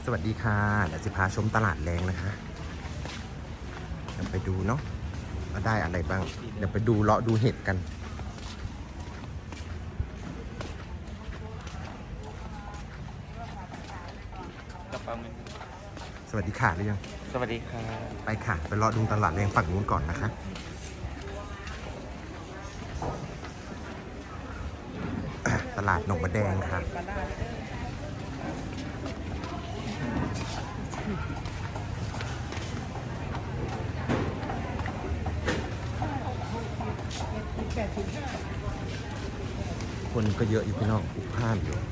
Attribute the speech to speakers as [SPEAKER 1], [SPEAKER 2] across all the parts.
[SPEAKER 1] สวัสดีค่ะเดี๋ยวจะพาชมตลาดแรงนะคะเดี๋ยวไปดูเนาะว่าได้อะไรบ้างเดี๋ยวไปดูเลาะดูเห็ดกันสวัสดีค่ะหรือยัง
[SPEAKER 2] สวัสดีค่ะ
[SPEAKER 1] ไปค่ะไปเลาะดูตลาดแรงฝั่งนู้นก่อนนะคะตลาดหนองมะแดงค่ะคนก็เยอะอยู่พี่น้องอุกพล่านอยู่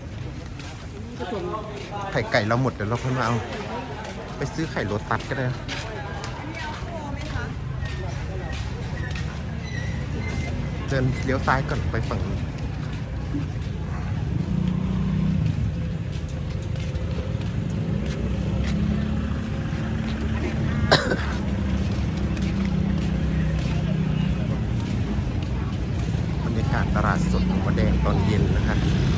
[SPEAKER 1] ไข่ไก่เราหมดเดี๋ยวเราค่อยมาเอาไปซื้อไข่โรตัสก็ได้เดินเลี้ยวซ้ายก่อนไปฝั่งนี้บรรยากาศตลาดสดหนองมะแดงตอนเย็นนะคะ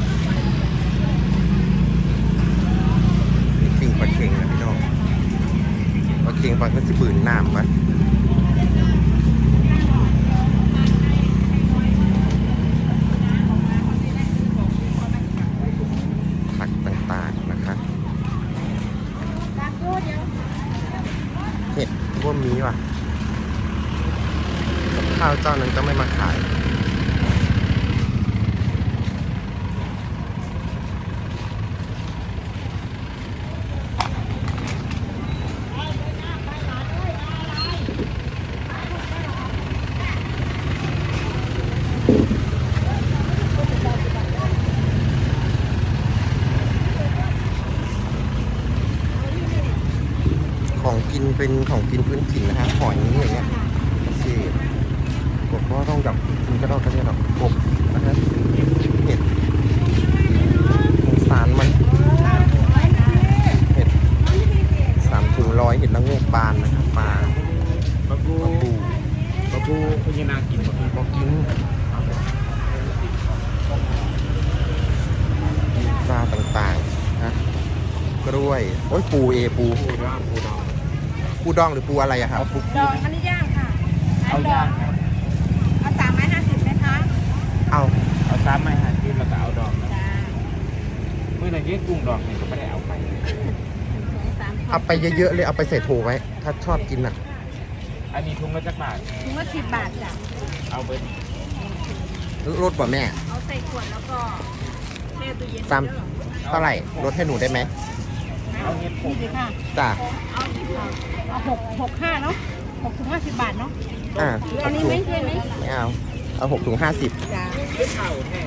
[SPEAKER 1] มีปิ้งปลาเค็งนะพี่น้องปลาเค็งปลาก็จะบืนน้ำวะผักต่างๆนะคะเห็ดพวกนี้ว่ะข้าวเจ้านั้นก็ไม่มาขายของกินเป็นของกินพื้นถิ่นนะฮะหอยอย่างเงี้ยที่ผมก็ต้องแบบกินก็ต้องเนี่ยแบบกบนะฮะเห็ดสงสารมันเห็ด3 ถุง100เห็ดละโงกบานนะครับปลาปลาบู
[SPEAKER 2] พญานาคกินหมดเลย
[SPEAKER 1] บอกกินปลาต่างๆนะกล้วยโอ้ยปูดองหรือปูอะไรอะครับปู
[SPEAKER 3] ดองอันนี้ย่างค่ะ
[SPEAKER 2] เอาย่างครับ
[SPEAKER 3] เอา350ไหมคะ
[SPEAKER 1] เอา
[SPEAKER 2] 3 ไม้50แล้วก็เอาดอก
[SPEAKER 3] จ้า
[SPEAKER 2] เมื่อไหร่ที่กุ้งดอกเนี่ยก็ไม่ได้เอาไป
[SPEAKER 1] เอาไปเยอะๆเลยเอาไปใส่โถไว้ถ้าชอบกินอะ
[SPEAKER 2] อันนี้ถุงละจักบาท
[SPEAKER 3] ถุงละ10 บาทจ้ะ
[SPEAKER 2] เอาไป
[SPEAKER 1] ลดป่ะแม่
[SPEAKER 3] เอาใส่ขวดแล้วก็แช่ตู้เย็น
[SPEAKER 1] ตามเท่าไหร่ลดให้หนูได้ไหม
[SPEAKER 2] เอาเห็ดผ
[SPEAKER 3] นี่
[SPEAKER 2] ม
[SPEAKER 3] สิค่ะ
[SPEAKER 1] จ้า
[SPEAKER 3] เอา65เนาะ6 ถุง 50 บาทเนาะ
[SPEAKER 1] อ่า
[SPEAKER 3] หรืออันนี้ไม่ใช่ไหม
[SPEAKER 1] ไม่เอา6 ถุง 50
[SPEAKER 3] จ้า
[SPEAKER 2] ไม่เข่าแท้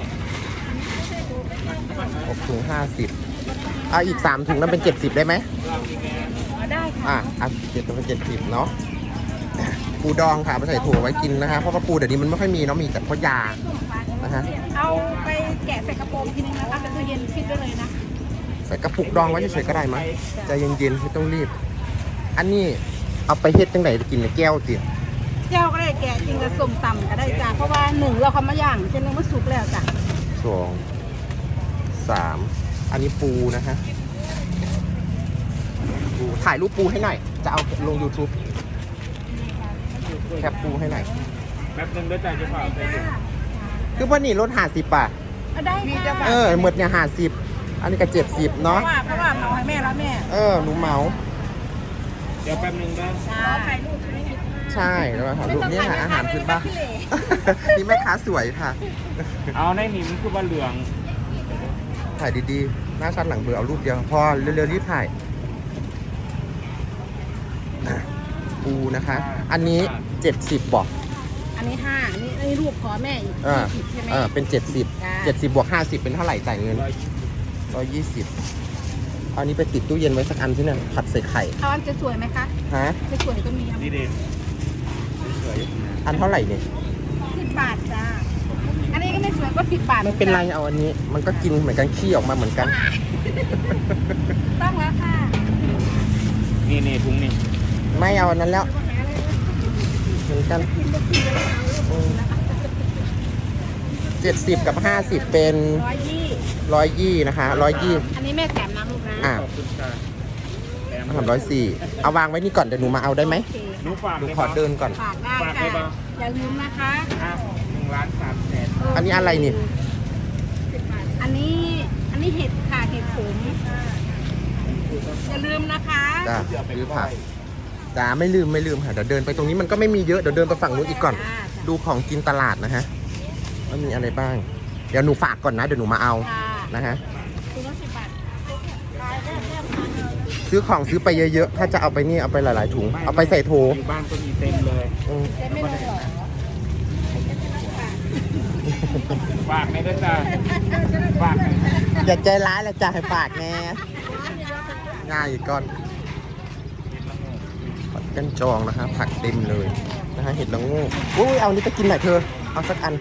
[SPEAKER 1] 6 ถุง 50เอาอีก3 ถุงนั้นเป็น70ได้ไหม
[SPEAKER 3] เอาได้ค่ะ
[SPEAKER 1] เป็น70เนาะปูดองค่ะไปใส่ถั่วไว้กินนะคะเพราะว่าปูเดี๋ยวนี้มันไม่ค่อยมีเนาะมีแต่เพราะยานะฮะ
[SPEAKER 3] เอาไปแกะใส่กระโปรงทีนึงนะคะเป็นตู้เย็นฟิตไว้เลยนะ
[SPEAKER 1] ใส่กระปุกดองไว้เฉยๆก็ได้มั้ยใจเย็นๆไม่ต้องรีบอันนี้เอาไปเฮ็ดจังไหนกินในแก้วสิ
[SPEAKER 3] เจ้าก็ได้แกะจริงกับส้มตำก็ได้จ้าเพราะว่า1เราเขามาย่างเช่นนึงมันสุกแล้วจ้ะ
[SPEAKER 1] 2 3อันนี้ปูนะฮะปูถ่ายรูปปูให้หน่อยจะเอาลง YouTube แคปปูให้หน่อย
[SPEAKER 2] แป๊บนึงด้วยใจจะเปล่าใส่ถุง
[SPEAKER 1] คือว่านี่ลด50 บาท
[SPEAKER 3] เอาได้ค่ะ
[SPEAKER 1] หมดเนี่ย50อันนี้ก็70เนาะ
[SPEAKER 3] เพราะว่าเอาให้แม่แล้วแม่
[SPEAKER 1] หนูเหมา
[SPEAKER 2] เดี๋ยวแป๊บนึงได้
[SPEAKER 3] ขอถ่ายรูปไม่มี
[SPEAKER 1] ใช่แล้วถ่ายรูปนี่ค่ะอาหารพื้นบ้านนี่แม่ค้าสวยค่ะ
[SPEAKER 2] เอาในนี่มันคือว่าเหลือง
[SPEAKER 1] ถ่ายดีๆหน้าชัดหลังเบอร์เอารูปเดียวพอเร็วๆรีบถ่ายปูนะคะ อันนี้70บอก
[SPEAKER 3] อันนี้5อันนี้รูปขอแม่อีก20ใช่ไหม
[SPEAKER 1] เป็น70บวก50เป็นเท่าไหร่จ่ายเงิน120เอานี้ไปติดตู้เย็นไว้สักอันที่เนี่ยผัดใส่ไข่
[SPEAKER 3] เอาอันจะสวยไหมคะ
[SPEAKER 1] ฮะ
[SPEAKER 3] จะสวยก็มี
[SPEAKER 2] ดีเด่นสวย
[SPEAKER 1] อันเท่าไหร่เนี่ย
[SPEAKER 3] 10 บาทจ้าอันนี้ก็ไม่สวยก็10 บาท
[SPEAKER 1] ไม่เป็นไรเอาอันนี้มันก็กินเหมือนกันขี้ออกมาเหมือนกัน
[SPEAKER 3] ต้องแล้วค่ะ
[SPEAKER 2] นี่ถุงนี่
[SPEAKER 1] ไม่เอาอันนั้นแล้วเหมือนกัน70กับ50เป็น120นะคะ120
[SPEAKER 3] อันนี้แม่แถมน้ำลูกนะ
[SPEAKER 2] ขอบคุณค่ะแถม
[SPEAKER 1] 340เอาวางไว้นี่ก่อนเดี๋ยวหนูมาเอาได้ไหม
[SPEAKER 3] โอเค
[SPEAKER 2] หนูฝาก
[SPEAKER 1] หนู
[SPEAKER 2] เลย
[SPEAKER 1] ขอเดินก่อน
[SPEAKER 3] ฝากได้
[SPEAKER 2] ฝากได้ปะ
[SPEAKER 3] ค่ะอย่าลืมนะคะ
[SPEAKER 2] อ่ะ1,300,000
[SPEAKER 1] อันนี้อะไรนี่
[SPEAKER 3] อันนี้เห็ดค่ะเห็ดขมอย่าลืมนะคะ
[SPEAKER 1] จ้าซื้อผักจ้าไม่ลืมค่ะเดี๋ยวเดินไปตรงนี้มันก็ไม่มีเยอะเดี๋ยวเดินไปฝั่งนู้นอีกก่อน ดูของกินตลาดนะฮะว่ามีอะไรบ้าง เดี๋ยวหนูฝากก่อนนะเดี๋ยวหนูมาเอา
[SPEAKER 3] ค่ะ
[SPEAKER 1] นะฮะ
[SPEAKER 3] คุณละ10 บาท
[SPEAKER 1] ซื้อของซื้อไปเยอะๆถ้าจะเอาไปนี่เอาไปหลายๆถุงเอาไปใส่โถ
[SPEAKER 2] อยู่บ้านก็มีเต็มเลย
[SPEAKER 1] อืม
[SPEAKER 3] จะไม่ลงหรอ
[SPEAKER 2] ฝากไม่ได้จ้าฝากหน่อย
[SPEAKER 1] อย่าใจร้ายเลยจ้าให้ฝากแน่ง่ายอีกก่อนผัดกันจองนะคะผักเต็มเลยนะฮะเห็ดละโงูอุ้ยเอานี่ไปกินหน่อยเธอเอาสักอัน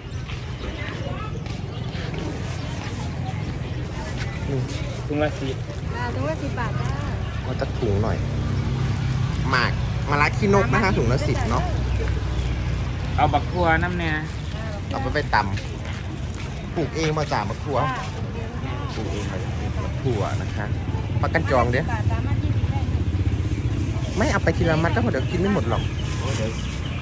[SPEAKER 1] นี่
[SPEAKER 2] ถุงละ10
[SPEAKER 3] ถุงละ10 บาทจ้า
[SPEAKER 1] เอาสักถุงหน่อยหมากมะระขี้นกนะฮะถุงละ10เนาะ
[SPEAKER 2] เอาบักทั่วน้ำเนี่ย
[SPEAKER 1] เอาไปตำปลูกเองมาจากมะครัวปลูกเองมามะครัวนะคะผักกันจองเด้
[SPEAKER 3] บาทสามารถ20ได้
[SPEAKER 1] ไม่เอาไปทีละมัดก็พอเดี๋ยวกินไม่หมดหรอก
[SPEAKER 2] โอ้เดี๋ยว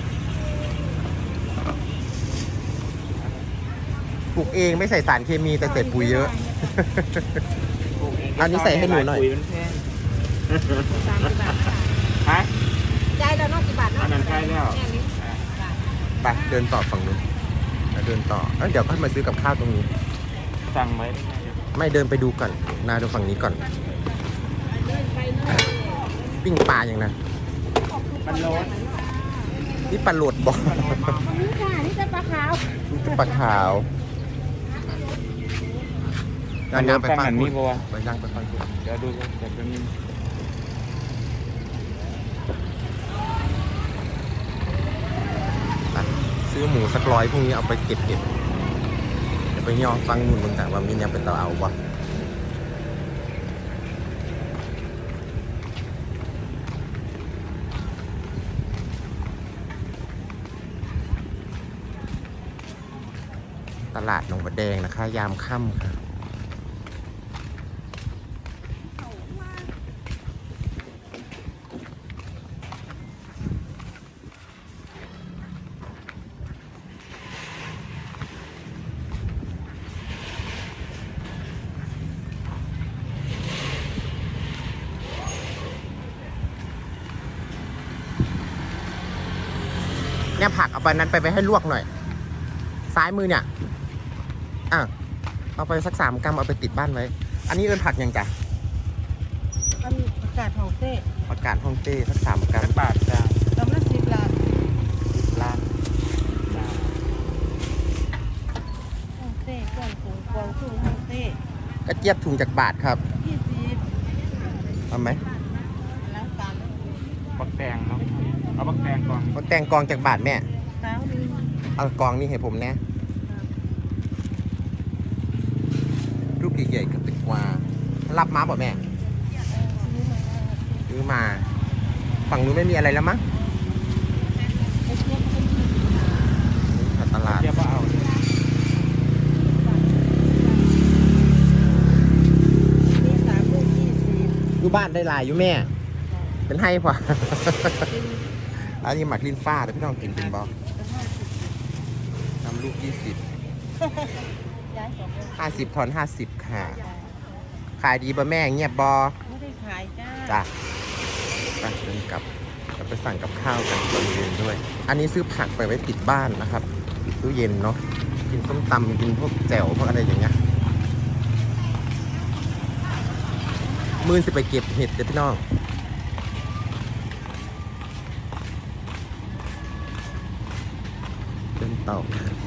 [SPEAKER 1] ปลูกเองไม่ใส่สารเคมีแต่ใส่ปุ๋ยเยอะ
[SPEAKER 2] ปลูกเง
[SPEAKER 1] อันนี้ใส่ให้หนูหน่อย
[SPEAKER 2] ปุ๋มันแพง
[SPEAKER 3] 30 บาทค่ะ
[SPEAKER 2] ฮะ
[SPEAKER 3] จ่ายแล้วเนาะ10 บาทเนาะ
[SPEAKER 2] อันนั้นใกล้แล้ว
[SPEAKER 3] แค่นี้
[SPEAKER 1] ไปเดินต่อฝั่งนู้นแล้วเดินต่อเดี๋ยวค่อยมาซื้อกับข้าวตรงนี้
[SPEAKER 2] สั่งไว้ได้ไหม
[SPEAKER 1] ไม่เดินไปดูก่อนนาดูฝั่งนี้ก่อน ปิ้งปลาอย่างนะ
[SPEAKER 2] มันร้อน
[SPEAKER 1] นี่ปลาโหลดบอก
[SPEAKER 3] อันนี้ค่ะนี่จะปลาขาว
[SPEAKER 1] ปลาขาว
[SPEAKER 2] มันร้อน
[SPEAKER 1] ไป
[SPEAKER 2] ตั้ง
[SPEAKER 1] ฟัง
[SPEAKER 2] อัน
[SPEAKER 1] คุ
[SPEAKER 2] นี้
[SPEAKER 1] ณ
[SPEAKER 2] ปะวะ
[SPEAKER 1] ไปย่างไปฟังคุณ
[SPEAKER 2] เดี๋ยวดูเดี๋ยวแป๊บนึง
[SPEAKER 1] ซื้อหมูสัก100พรุ่งนี้เอาไปเก็บเดี๋ยวไปย่อฟังนู่นมึงแต่ว่ามีเนี่ยเป็นเตาเอาวะตลาดหนองบัวแดงนะคะ ยามค่ำค่ะเนี่ยผักเอาไปนั้นไปให้ลวกหน่อย ซ้ายมือเนี่ยเอาไปสัก3 กรัมเอาไปติดบ้านไว้ อันนี้เอิ้นผักยังจ้ะ
[SPEAKER 3] อันนี้ประกาศของเต้
[SPEAKER 1] ผักกาดฮ่องเต้สัก3 กรัม
[SPEAKER 2] บาทจ้าก
[SPEAKER 3] ำลัง10 บาท
[SPEAKER 1] ล้าน
[SPEAKER 3] ของเต้กวางสูงกวางสูงของเต้
[SPEAKER 1] กระเจี๊ยบถุงจากบาทครับ
[SPEAKER 3] 20
[SPEAKER 1] เอาไหม
[SPEAKER 3] แล้วกัน
[SPEAKER 2] บักแตงเนาะเอาบักแตงก่อน
[SPEAKER 1] เอาแตงกองจากบาทแม่
[SPEAKER 3] สาวนึง
[SPEAKER 1] เอากองนี่ให้ผมแน่รูปใหญ่ๆกับติดกว่ารับมาบ่แม่ซื้อมา ฝั่งนู้นไม่มีอะไรแล้วมั้งนี่ตลาด
[SPEAKER 2] เดี๋ยวก็เอา
[SPEAKER 3] นี่3 ลูก
[SPEAKER 1] อยู่บ้านได้หลายอยู่แม่ เป็นให้พอ อันนี้หมักลิ้นฟ้าแต่พี่น้องกินเป็นบอทำลูก 20
[SPEAKER 3] 20ย้าย2
[SPEAKER 1] 50 ทอน 50 ค่ะ ขายดีบ่แม่เงียบบอ
[SPEAKER 3] ไม่ได้ขายจ้า
[SPEAKER 1] จ้ะไปเดินกลับจะไปสั่งกับข้าวกันตอนเย็นด้วย อันนี้ซื้อผักไปไว้ติดบ้านนะครับตู้เย็นเนาะกินส้มตำกินพวกแจ่วพวกอะไรอย่างเงี้ยมื้อสิไปเก็บเห็ดเด้อพี่น้องเดินต่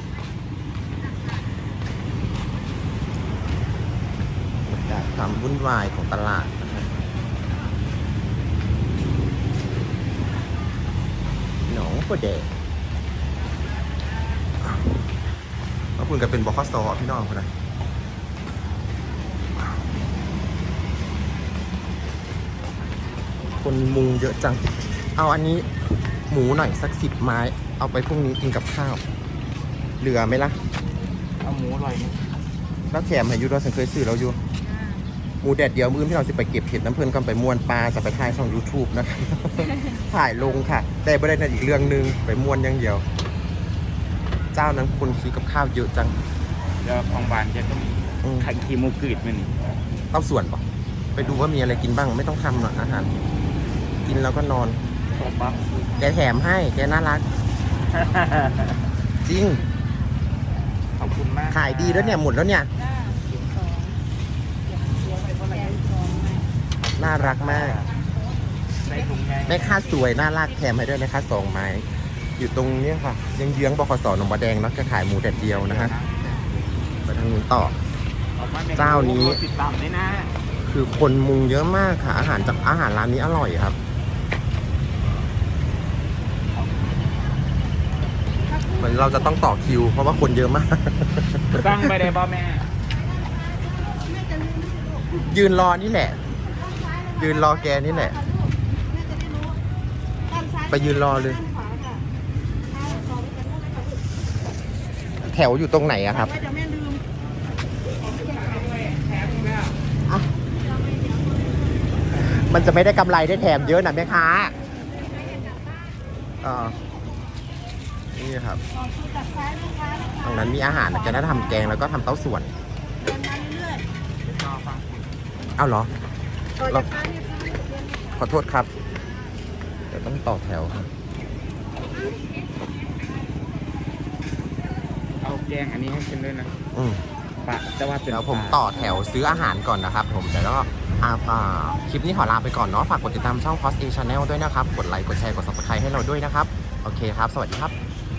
[SPEAKER 1] อบรรยากาศความวุ่นวายของตลาดนะครับหนองบัวแดงแล้วคุณก็เป็นบคสพี่น้องคนนั้นคนมุงเยอะจัง เอาอันนี้หมูหน่อยสัก10 ไม้ เอาไปพรุ่งนี้กินกับข้าว เหลือไหมล่ะ
[SPEAKER 2] เอาหมูอร่อยไหม
[SPEAKER 1] แล้วแถมให้อยูเราฉันเคยซื้อเราอยู่
[SPEAKER 3] จ้า
[SPEAKER 1] หมูแดดเดียวมื้อที่เราจะไปเก็บเห็ดน้ำเพลินก็ไปม่วนปลาจะไปถ่ายช่อง YouTube นะคะ ถ่ายลงค่ะ แต่ไม่ได้นั่นอีกเรื่องหนึงไปม่วนอย่างเดียว เจ้านั้นคนซื้อกับข้าวเยอะจัง
[SPEAKER 2] เดี๋ยวของหวานจะต้อง
[SPEAKER 1] อืม
[SPEAKER 2] ขันคีมูกรีดมันนี่
[SPEAKER 1] เต้าส่วนปะไปดูว่ามีอะไรกินบ้างไม่ต้องทำหรอกอาหาร กินแล้วก็นอน
[SPEAKER 2] ขอบปั๊บ
[SPEAKER 1] แกแถมให้แกน่ารัก จริง
[SPEAKER 2] ขอบคุณมาก
[SPEAKER 1] ขายดีแล้วเนี่ยหมดแล้วเนี่ย น่ารักมาก
[SPEAKER 2] ในถุงไง
[SPEAKER 1] แม่ค้าสวยน่ารักแถมให้ด้วยนะคะ2 ไม้ อยู่ตรงเนี้ยค่ะเยื้องๆบขสหนองบัวแดงเนาะจะขายหมูแดดเดียวนะฮะไปทางนู้นต่อ
[SPEAKER 2] ออกมม
[SPEAKER 1] เจ้านี้
[SPEAKER 2] ติดตามด้วยนะ
[SPEAKER 1] คือคนมุงเยอะมากค่ะ อาหารจากอาหารร้านนี้อร่อยครับ เหมือนเราจะต้องต่อคิว เพราะว่าคนเยอะมาก
[SPEAKER 2] ตั้งไปได้บ่แม่
[SPEAKER 1] ยืนรอนี่แหละ ยืนรอแกนี่แหละ ไปยืนรอเลย แถวอยู่ตรงไหนอะครับ
[SPEAKER 3] เดี๋ยวแม่ลืม
[SPEAKER 1] มันจะไม่ได้กำไรได้แถมเยอะนะแม่ค้านี่ครับ
[SPEAKER 3] ตัดซ้ายลูกค้านะคะ
[SPEAKER 1] ตรงนั้นมีอาหารนะแกน่าทำแกงแล้วก็ทำเต้าส่วน
[SPEAKER 3] เดินมาเรื่อย
[SPEAKER 1] เอ้าเหรอ
[SPEAKER 3] ๆต่อจากซ้ายเนี่ยค่ะ
[SPEAKER 1] ขอโทษครับ เดี๋ยวต้องต่อแถวครับ
[SPEAKER 2] เอาแกงอันนี้ให้ฉันด้วยนะ
[SPEAKER 1] อืม
[SPEAKER 2] ปะแต่ว่าเป็น
[SPEAKER 1] เดี๋ยวผม
[SPEAKER 2] ปลา
[SPEAKER 1] ต่อแถวซื้ออาหารก่อนนะครับผมแต่แล้วก็คลิปนี้ขอลาไปก่อนเนาะฝากกดติดตามช่อง Post A Channel ด้วยนะครับ กดไลค์ กดแชร์ กด Subscribe ให้เราด้วยนะครับ โอเคครับ สวัสดีครับ